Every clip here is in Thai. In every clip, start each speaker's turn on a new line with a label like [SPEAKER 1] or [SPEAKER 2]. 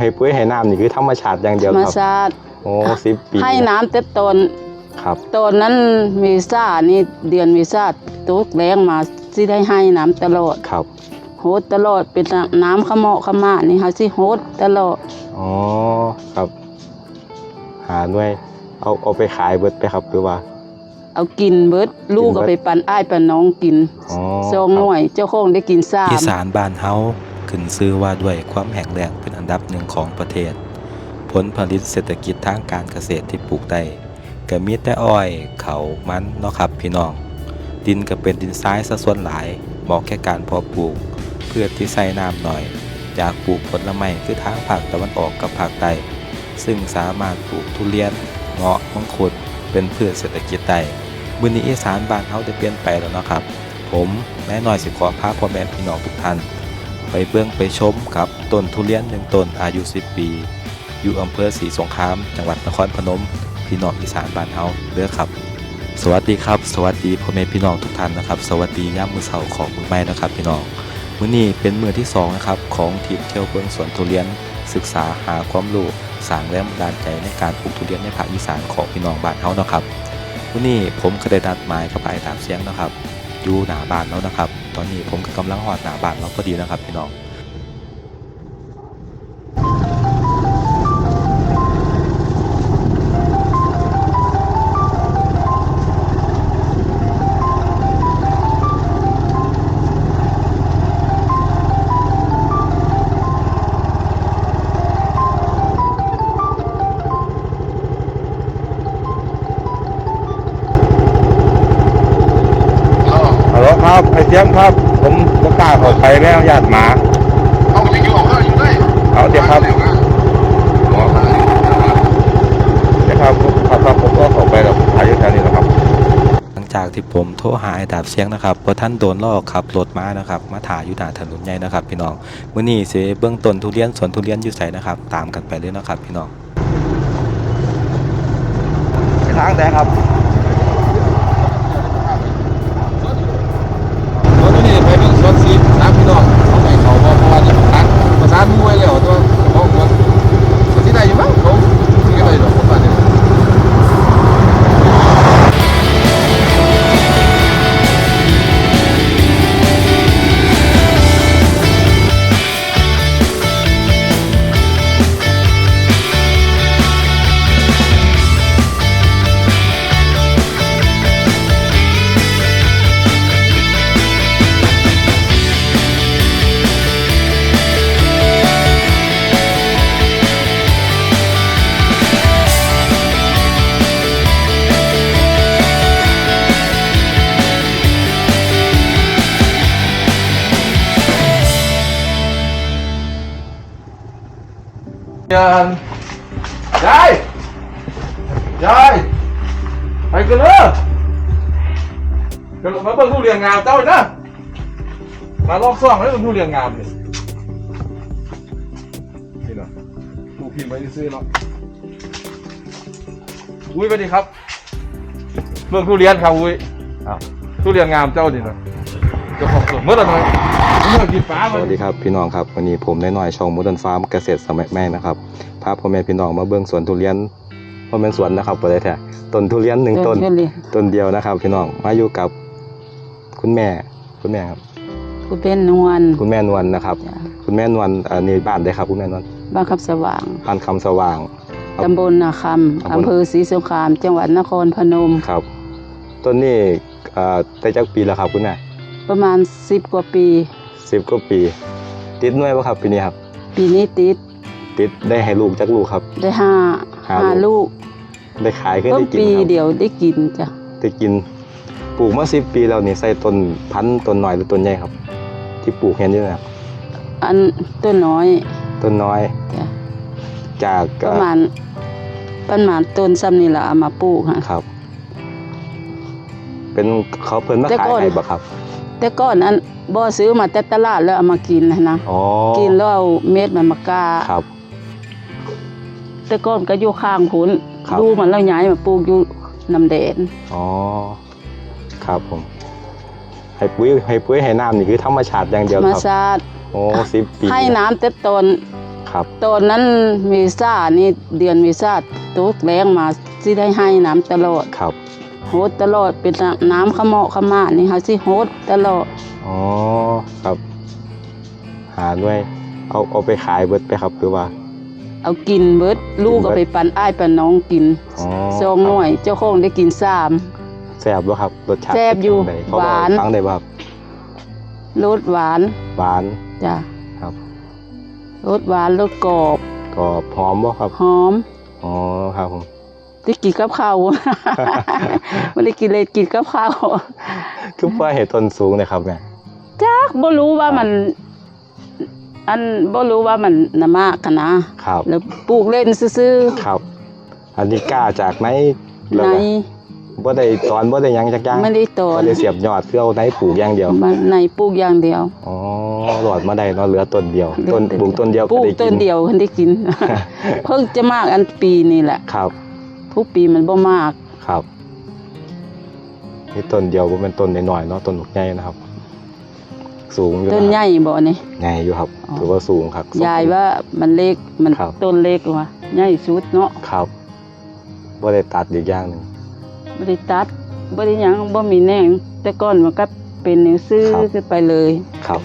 [SPEAKER 1] ให้ปุ๋ยให้น้ำนี่คือธรรมชาติอย่างเดียว
[SPEAKER 2] ธรรม
[SPEAKER 1] ครับ
[SPEAKER 2] ชาติ
[SPEAKER 1] โอ้10 ปี
[SPEAKER 2] ให้น้ำแต่ต้น
[SPEAKER 1] ครับ
[SPEAKER 2] ต้นนั้นเมษานี่เดือนเมษาตุกแรงมาสิได้ให้น้ำตลอด
[SPEAKER 1] ครับ
[SPEAKER 2] โหดตลอดเป็นน้ำขะเหมาะขะมานี่ค่ะสิโหดตลอด
[SPEAKER 1] อ๋อครับ หาหน่วยเอาไปขายเบิดไปครับหรือว่า
[SPEAKER 2] เอากินเบิดลูกก็ไปปั่นอ้ายปั่นน้องกิน
[SPEAKER 1] อ๋อ
[SPEAKER 2] ซองหน่วยเจ้าของได้กิน3
[SPEAKER 3] อีสานบ้านเฮาขึ้นชื่อว่าด้วยความแห้งแล้งเป็นอันดับหนึ่งของประเทศ ผลผลิตเศรษฐกิจทางการเกษตรที่ปลูกได้ก็มีแต่อ้อยเขามันเนาะครับพี่น้องดินก็เป็นดินทรายซะส่วนหลายเหมาะแก่การเพาะปลูกเพื่อที่ใส่น้ำหน่อยอยากปลูกผลไม้คือทางภาคตะวันออกกับภาคใต้ซึ่งสามารถปลูกทุเรียนเงาะมังคุดเป็นพืชเศรษฐกิจได้มื้อนี้อีสานบ้านเฮาได้เปลี่ยนไปแล้วเนาะครับผมแม่น้อยสิขอพาพ่อแม่พี่น้องทุกท่านไปเบิ่งไปชมกับต้นทุเรียน1ต้นอายุ10 ปีอยู่อำเภอศรีสงครามจังหวัดนครพนมพี่น้องอีสานบ้านเฮาเด้อครับสวัสดีครับสวัสดีพ่อแม่พี่น้องทุกท่านนะครับสวัสดียามมื้อเช้าของมื้อใหม่นะครับพี่น้องมื้อนี้เป็นมื้อที่2นะครับของทริปเที่ยวเบิ่งสวนทุเรียนศึกษาหาความรู้สร้างแรงบันดาลใจในการปลูกทุเรียนในภาคอีสานของพี่น้องบ้านเฮาเนาะครับมื้อนี้ผมก็ได้นัดหมายกับอ้ายตามเสียงนะครับอยู่หน้าบ้านแล้วนะครับตอนนี้ผมก็กำลังฮอดหน้าบ้านแล้วพอดีนะครับพี่น้อง
[SPEAKER 1] ฮัลโหลครับไอเสียมครับผมบ่กล้าเข้าไปแม่ญาติหมา
[SPEAKER 4] เอาไปอยู่ของเขาอยู่ด้วย
[SPEAKER 1] เอาเดี๋ยวครับอ๋อครับเดี๋ยวครับครับผมก็เข้าไปแล้วอายุแถวนี้แล้วครับ
[SPEAKER 3] หลังจากที่ผมโทรหาไอ้ดาบเสียงนะครับพอท่านโดนลอกขับรถมานะครับมาถ่ายอยู่หน้าถนนใหญ่นะครับพี่น้องมื้อนี้สิเบื้องต้นทุเรียนสวนทุเรียนอยู่ไสนะครับตามกันไปเลยนะครับพี่น้อง
[SPEAKER 1] ทางแต่ครับ
[SPEAKER 4] รถนี่ไปเป็นรถซีสามพี่น้องเขาไปเขาเพราะว่าจะตัดประสานมวยแล้วตัวเขารถที่ไหนอยู่บ้างเขาที่ไหนหรอกผมว่าเนี่ยยายไปกันเลยกันมาเบิ่งทุเรียนงามเจ้านะมาลองซ่องให้เบิ่งทุเรียนงามนี่นี่เนาะผู้พิมพ์ไปซื้อเนาะอุ้ยไปดิครับเบิ่งทุเรียนครับอุ้ยทุเรียนงามเจ้านี่เนาะเจ้าของสวนเมื่อไหร่เมื่อกินฟ้า
[SPEAKER 1] สวัสดีครับพี่น้องครับวันนี้ผมน้อยช่องโมเดิร์นฟาร์มเกษตรสมัยใหม่นะครับพาพ่อแม่พี่น้องมาเบิ่งสวนทุเรียนพ่อแม่สวนนะครับบ่ได้แท้ต้นทุเรียน1ต้นต้นเดียวนะครับพี่น้องมาอยู่กับคุณแม่ครับ
[SPEAKER 2] ผู้เป็นนวล
[SPEAKER 1] คุณแม่นวลนะครับคุณแม่นวลนี่บ้านได้ครับคุณแม่นวล
[SPEAKER 2] บ้านคำสว่าง
[SPEAKER 1] บ้านคำสว่าง
[SPEAKER 2] ตำบลนาคำอำเภอศรีสงครามจังหวัดนครพนม
[SPEAKER 1] ครับต้นนี้ได้จักปีแล้วครับคุณแม่
[SPEAKER 2] ประมาณ10 กว่าปี
[SPEAKER 1] 10 กว่าปีติดหน่วยบ่ครับปีนี้ครับ
[SPEAKER 2] ปีนี้
[SPEAKER 1] ติดได้ให้ลูกจักลูกครับ
[SPEAKER 2] ได้ห้าลูก
[SPEAKER 1] ได้ขายขึ้น
[SPEAKER 2] ต้น
[SPEAKER 1] ได้กิน
[SPEAKER 2] ปี
[SPEAKER 1] ครับ
[SPEAKER 2] เดียวได้กินจ้ะ
[SPEAKER 1] ได้กินปลูกมา10 ปีแล้วนี่ใส่ต้นพันธุ์ต้นน้อยหรือต้นใหญ่ครับ ที่ปลูกเห็นอยู่นะครับ
[SPEAKER 2] อันต้นน้อย
[SPEAKER 1] ต้นน้อย
[SPEAKER 2] จ้ะ
[SPEAKER 1] จาก
[SPEAKER 2] ประมาณต้นซ้ำนี่ล่ะเอามาปลูกค่ะ
[SPEAKER 1] ครับ เป็นเขาเพิ่นมา
[SPEAKER 2] แต่
[SPEAKER 1] ขาย
[SPEAKER 2] ก่อน
[SPEAKER 1] ให้บ่ครับ
[SPEAKER 2] แต่ก่อนอันบ่ซื้อมาแต่ตลาดแล้วเอามากินนะ
[SPEAKER 1] อ๋อ
[SPEAKER 2] กินแล้วเอาเม็ดมันมากา
[SPEAKER 1] ครับ
[SPEAKER 2] แต่ก่อนก็อยู่ข้างพุ้น
[SPEAKER 1] ครับ
[SPEAKER 2] ดูมันแล้วย้ายมาปลูกอยู่น้ำแดน
[SPEAKER 1] อ๋อครับผมให้ปุ๋ยให้น้ำนี่คือธรรมชาติอย่างเดี
[SPEAKER 2] ธ
[SPEAKER 1] ยว
[SPEAKER 2] รรม
[SPEAKER 1] ครับ
[SPEAKER 2] ชาติ
[SPEAKER 1] โอ้10 ปี
[SPEAKER 2] ให้น้ำแต่ต้น
[SPEAKER 1] คครับ
[SPEAKER 2] ตอนนั้นเมษานี่เดือนเมษาตกแรงมาสิได้ให้น้ำตลอด
[SPEAKER 1] ครับ
[SPEAKER 2] โหดตลอดเป็นน้ำขะเหมาะขะมานี่ค่ะสิโหดตลอด
[SPEAKER 1] อ๋อครับ หาด้วยเอาไปขายเบิดไปครับหรือว่า
[SPEAKER 2] เอากินเบิดลูกเอาไปปั่นอ้ายปั่นน้องกิน
[SPEAKER 1] อ๋อ
[SPEAKER 2] ซองหน่วยเจ้าของได้กิน3
[SPEAKER 1] แซ่บบ่ครับรสชาติ
[SPEAKER 2] แซ่บอยู่
[SPEAKER 1] เป็นจั่งใดเขา
[SPEAKER 2] หวาน
[SPEAKER 1] ฟังได้บ่ครับ
[SPEAKER 2] รสหวาน
[SPEAKER 1] หวาน
[SPEAKER 2] จ้ะ
[SPEAKER 1] ครับ
[SPEAKER 2] รสหวานรสกรอบ
[SPEAKER 1] ก็หอมบ่ครับ
[SPEAKER 2] หอม
[SPEAKER 1] อ๋อครับผม
[SPEAKER 2] ได้กินกับข้าว ไม่ได้กินเลยกินกับข้าว
[SPEAKER 1] คือว่าเห็ดต้นสูงเลยครับแม่
[SPEAKER 2] จักบ่รู้ว่ามัน บ่รู้ว่ามันน่ะมากกันนะครับ แล้วปลูกเล่นซื่อ
[SPEAKER 1] ครับ อันนี้กล้าจากไหน
[SPEAKER 2] ๆ
[SPEAKER 1] แล้ว
[SPEAKER 2] ใน
[SPEAKER 1] ก็บ่ได้ตอนบ่ได้หยังจักอย่าง
[SPEAKER 2] ไม่ได้ตอน
[SPEAKER 1] บ่ได้เสียบยอดคือเอาไหนปลูกอย่างเดียว
[SPEAKER 2] มันในปลูกอย่างเดียว
[SPEAKER 1] อ๋อหลอดมาได้เนาะเหลือต้นเดียวต้นปลูกต้นเดียว
[SPEAKER 2] ป
[SPEAKER 1] ก็
[SPEAKER 2] ลูก
[SPEAKER 1] ได้
[SPEAKER 2] ต้
[SPEAKER 1] กิ
[SPEAKER 2] น
[SPEAKER 1] น
[SPEAKER 2] เดียวเพิ่นได้กิน เพิ่งจะมากอันปีนี่แหละ
[SPEAKER 1] ครับ
[SPEAKER 2] ทุกปีมันบ่มาก
[SPEAKER 1] ครับนี่ต้นเดียวบ่แม่นต้นน้อยๆเนาะต้นใหญ่นะครับ สูงอยู่
[SPEAKER 2] ต้น
[SPEAKER 1] นะ
[SPEAKER 2] ใหญ่บ่นี่
[SPEAKER 1] ใหญ่อยู่ครับ
[SPEAKER 2] อ๋อ
[SPEAKER 1] ถือว่าสูงครับ
[SPEAKER 2] ยายว่ามันเล็กมัน
[SPEAKER 1] ครับ
[SPEAKER 2] ต้นเล็กว่ะใหญ่สุดเนาะ
[SPEAKER 1] ครับบ่ได้ตัดอีกอย่างหนึง
[SPEAKER 2] บ่ได้ตัดบ่ได้หยังบ่มีแหน่งแต่ก่อนมันก็เป็นหนังสือ
[SPEAKER 1] ครับ
[SPEAKER 2] ขึ้นไปเลย
[SPEAKER 1] ครับ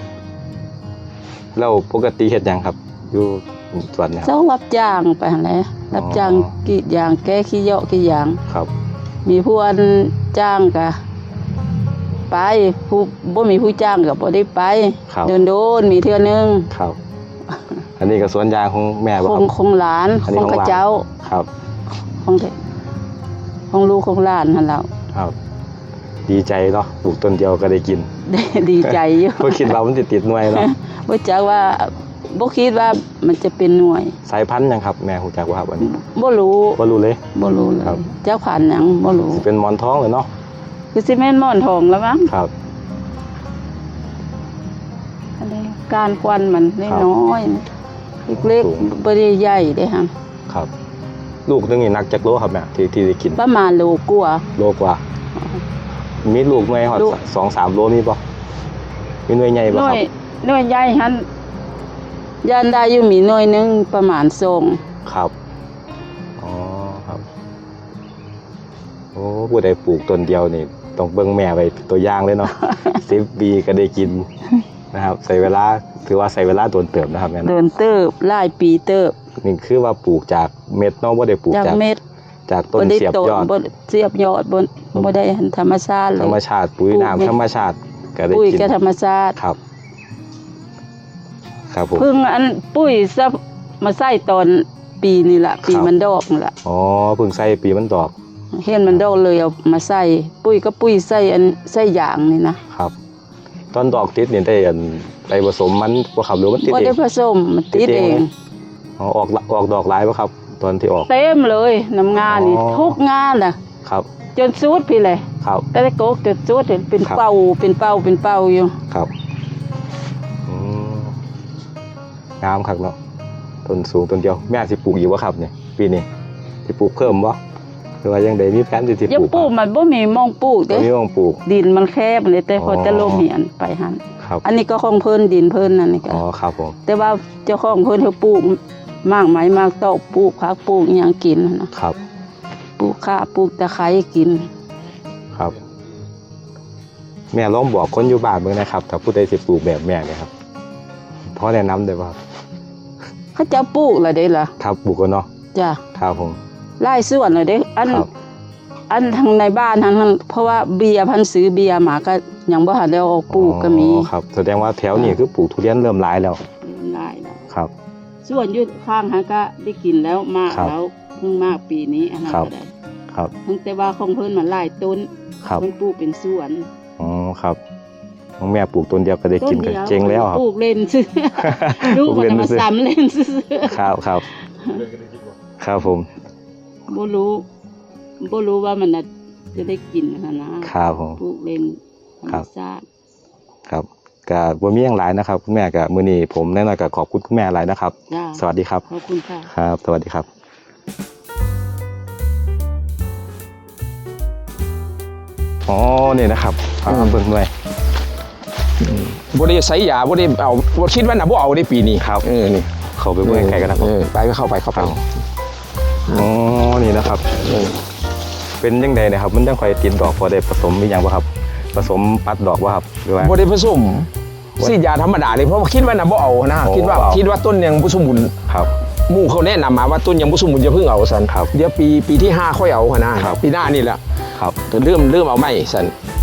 [SPEAKER 1] แล้วปกติเฮ็ดหยังครับ อยู่สวนเนยค
[SPEAKER 2] เจ้า
[SPEAKER 1] รับ
[SPEAKER 2] รับจ้างไปหั่นแหละรับจ้าง
[SPEAKER 1] อ๋อ
[SPEAKER 2] กรีดยางแก้ขี้เหยาะขี้ยาง
[SPEAKER 1] ครับ
[SPEAKER 2] มีผู้อันจ้างก็ไปผู้บ่มีผู้จ้างก็บ่ได้ไป
[SPEAKER 1] ครับ
[SPEAKER 2] โดนๆมีเทื่อนึง
[SPEAKER 1] ครับ อันนี้ก็สวนยางของแม่บ่
[SPEAKER 2] ข
[SPEAKER 1] ค
[SPEAKER 2] อ
[SPEAKER 1] รั
[SPEAKER 2] ง
[SPEAKER 1] บ
[SPEAKER 2] ของหลาน
[SPEAKER 1] อัน
[SPEAKER 2] ข
[SPEAKER 1] นี้
[SPEAKER 2] อง
[SPEAKER 1] ของ
[SPEAKER 2] ข้า
[SPEAKER 1] หลาน
[SPEAKER 2] เจ้า
[SPEAKER 1] ครับ
[SPEAKER 2] ของลูกของหลานหั่นแหล้ว
[SPEAKER 1] ครับ ดีใจเนาะปลูกต้นเดียวก็ได้กิน
[SPEAKER 2] ดีใจอยู่
[SPEAKER 1] บ่คิดว่ามันสิติดหน่วยเนาะ
[SPEAKER 2] บ่จักว่าบ่คิดว่ามันจะเป็นหน่วย
[SPEAKER 1] สายพันธุ์หยังครับแม่ฮู้จักบ่ครับอันนี้
[SPEAKER 2] บ่รู้
[SPEAKER 1] บ่รู้เลย
[SPEAKER 2] บ่รู้เล
[SPEAKER 1] ครั
[SPEAKER 2] ย
[SPEAKER 1] บ
[SPEAKER 2] เจ้าผ่านหยังบ่รู้
[SPEAKER 1] สิเป็นหมอนทองเลยเนาะ
[SPEAKER 2] คือสิแม่นหม่อนทองแล้วมั้ง
[SPEAKER 1] ครับ
[SPEAKER 2] อันนี้การควันมัน
[SPEAKER 1] ครับ
[SPEAKER 2] น้อยๆเล็ก
[SPEAKER 1] สูง
[SPEAKER 2] ๆบ่ได้ใหญ่เด้ฮะ
[SPEAKER 1] ครับ ลูกนึงนี่หนักจักโลครับแม่ที่ได้กิน
[SPEAKER 2] ประมาณโลกว่า
[SPEAKER 1] โลกว่า มีลูกหน่วยฮอด
[SPEAKER 2] ลูก
[SPEAKER 1] 2-3 โลมีบ่มีหน่วยใหญ่บ่
[SPEAKER 2] หน่
[SPEAKER 1] คว รับ
[SPEAKER 2] ยหน่วยใหญ่หั่นย่านได้อยู่มีหน่วยหนึงประมาณ2
[SPEAKER 1] ครับ อ๋อ ครับ โอ้ผู้ใดปลูกต้นเดียวนี่ต้องเบิ่งแม่ไว้ตัวอย่างเลยเนาะ 10 ปีก็ได้กินนะครับใช้เวลาถือว่าใช้เวลาโดนเติบนะครับแม่
[SPEAKER 2] เดิ
[SPEAKER 1] นะ
[SPEAKER 2] นเติบหลายปีเติบ
[SPEAKER 1] นี่คือว่าปลูกจากเม็ดเนาะบ่ได้ปลูก
[SPEAKER 2] จาก
[SPEAKER 1] จาก
[SPEAKER 2] เม็ด
[SPEAKER 1] จากต้น
[SPEAKER 2] บ่ได้
[SPEAKER 1] เสียบ
[SPEAKER 2] โต
[SPEAKER 1] ยอด
[SPEAKER 2] บ่เสียบยอดบ่ได้ธรรมชาติเล
[SPEAKER 1] ธรรม
[SPEAKER 2] ย
[SPEAKER 1] ชาติปุ๋ย
[SPEAKER 2] ปลูก
[SPEAKER 1] น้ำ
[SPEAKER 2] เม็ด
[SPEAKER 1] ธรรมชาติก็ได้
[SPEAKER 2] ปุ๋ย
[SPEAKER 1] กิน
[SPEAKER 2] ก็ธรรมชาติ
[SPEAKER 1] ครับ ครับผม
[SPEAKER 2] เพิ่งอันปุ้ยซะมาใส่ตอนปีนี่ล่ะปี
[SPEAKER 1] ครับ
[SPEAKER 2] มันดอกนี่ล่ะ
[SPEAKER 1] อ๋อเพิ่งใส่ปีมันดอก
[SPEAKER 2] เห็นมันดอกเลยเอามาใส่ปุ้ยก็ปุ้ยใส่อันใส่ยางนี่นะครับ
[SPEAKER 1] ตอนดอกติดนี่ได้อันไปผสมมันบ่ครับหรือมันติด
[SPEAKER 2] บ่
[SPEAKER 1] เอ
[SPEAKER 2] ได้
[SPEAKER 1] ง
[SPEAKER 2] ผสมมันติด
[SPEAKER 1] ติดเอ
[SPEAKER 2] เอง ง
[SPEAKER 1] อ๋อออกดอกหลายบ่ครับ ตอนที่ออก
[SPEAKER 2] เต็มเลยน้ำงานนี่
[SPEAKER 1] อ๋อ
[SPEAKER 2] ทุกงานน่ะ
[SPEAKER 1] ครับ
[SPEAKER 2] จนสุดพี่เลย
[SPEAKER 1] ครับ
[SPEAKER 2] แต่ได้โกกจนสุดเห็นเป็น
[SPEAKER 1] ครับ
[SPEAKER 2] เป้าเป็นเป้าเป็นเป้าอยู่
[SPEAKER 1] ครับอืมงามคักเนาะต้นสูงต้นเดียวแม่สิปลูกอีกบ่ครับเนี่ยปีนี้สิปลูกเพิ่มบ่หรือว่ายังได้มีแผนที่สิ
[SPEAKER 2] ยัง
[SPEAKER 1] ปลูก
[SPEAKER 2] ปลูกมันบ่มีหมองปลูก
[SPEAKER 1] บ่
[SPEAKER 2] เด้
[SPEAKER 1] มีหม้องปลูก
[SPEAKER 2] ดินมันแคบเลยแต่พอ
[SPEAKER 1] อ๋อ
[SPEAKER 2] จะลมเหียนไปหั่น
[SPEAKER 1] ครับ
[SPEAKER 2] อันนี้ก็ของเพิ่นดินเพิ่นนั่นนี่ก็
[SPEAKER 1] อ๋อครับผม
[SPEAKER 2] แต่ว่าเจ้าของเพิ่นเขาปลูกมากไหมมากตอกปลูกผักปลูกอิหยังกินหั่นนะครับ ปลูกข่าปลูกตะไคร้กิน
[SPEAKER 1] ครับ แม่ลองบอกคนอยู่บ้านเบิ่งนะครับถ้าผู้ใดสิปลูกแบบแม่เนี่ยครับพอแนะนำได้บ่ครับ
[SPEAKER 2] เขาจะปลูกละเด้ล่ะ
[SPEAKER 1] ครับปลูกกันเนาะ
[SPEAKER 2] จ้ะ
[SPEAKER 1] ครับผม
[SPEAKER 2] ไล่ส่วนละเด้อัน
[SPEAKER 1] ครับ
[SPEAKER 2] อันทางในบ้านทางนั้นเพราะว่าเบียร์พันธุ์ซื้อเบียร์มาก็ยังบ่ทันได้เอาปลูกก็มี
[SPEAKER 1] อ๋อครับแสดงว่าแถวนี้คือปลูกทุเรียนเริ่มหลายแล้ว
[SPEAKER 2] หลายแล้ว
[SPEAKER 1] ครับ
[SPEAKER 2] ส่วนอยู่ข้างหาก็ได้กินแล้วมาก
[SPEAKER 1] ครับ
[SPEAKER 2] แล้วเพิ่งมากปีนี้อันนั้น
[SPEAKER 1] ครับ
[SPEAKER 2] ก็ได้
[SPEAKER 1] ครับ
[SPEAKER 2] เพิ่งแต่ว่าของเพิ่นมันหลายต้น
[SPEAKER 1] ครับ
[SPEAKER 2] เพิ่นปลูกเป็นสวน
[SPEAKER 1] อ๋อครับของแม่ปลูกต้นเดียวก็ได้กิน
[SPEAKER 2] ต้
[SPEAKER 1] ก็
[SPEAKER 2] ดียว
[SPEAKER 1] เจ๊งแล้วครับ
[SPEAKER 2] ปลูกเล่นซื้อ ลูกมันจะมาซ้ำเล่นซื้อ
[SPEAKER 1] ครับครับ ครับผม
[SPEAKER 2] บ่รู้ว่ามันน่ะจะได้กินหั่นนะครับ
[SPEAKER 1] ผม
[SPEAKER 2] ปลูกเล่นธรร
[SPEAKER 1] ครั
[SPEAKER 2] ม
[SPEAKER 1] บ
[SPEAKER 2] ชาติ
[SPEAKER 1] ครับก็บ่มีหยังหลายนะครับคุณแม่ก็มื้อนี้ผมแน่นอนก็ขอบคุณคุณแม่หลายนะครับ
[SPEAKER 2] จ้า
[SPEAKER 1] สวัสดีครับ
[SPEAKER 2] ขอบคุณค่ะ
[SPEAKER 1] ครับ สวัสดีครับ อ๋อ นี่นะครับเบิ่งหน่วย
[SPEAKER 5] บ่ได้ใส่ยาบ่ได้เอาบ่คิดว่าน่ะบ่เอาได้ปีนี้
[SPEAKER 1] ครับ
[SPEAKER 5] นี่
[SPEAKER 1] เขาไปเบิ่งไกลกันนะครับ
[SPEAKER 5] ไปก็เข้าไป
[SPEAKER 1] อ๋อนี่นะครับเป็นยังไงนะครับมันยังค่อยติดดอกพอได้ผสมมีอย่างบ่ครับผสมปัดดอกบ่ครับหรือว่า
[SPEAKER 5] บ่ได้ผสมสีดยาธรรมดาเลยเพราะว่าคิดว่าน่ะบ่เอานะ
[SPEAKER 1] โอ้
[SPEAKER 5] คิดว่าต้นยังบ่สมบูรณ์
[SPEAKER 1] ครับ
[SPEAKER 5] หมู่เขาแนะนำมาว่าต้นยังบ่สมบูรณ์อย่าเพิ่งเอาซั่น
[SPEAKER 1] ครับ
[SPEAKER 5] เดี๋ยวปีที่5ค่อยเอานะครับ ปีหน้านี่แหละ
[SPEAKER 1] ครับ
[SPEAKER 5] เริ่มเอาใหม่ซั่น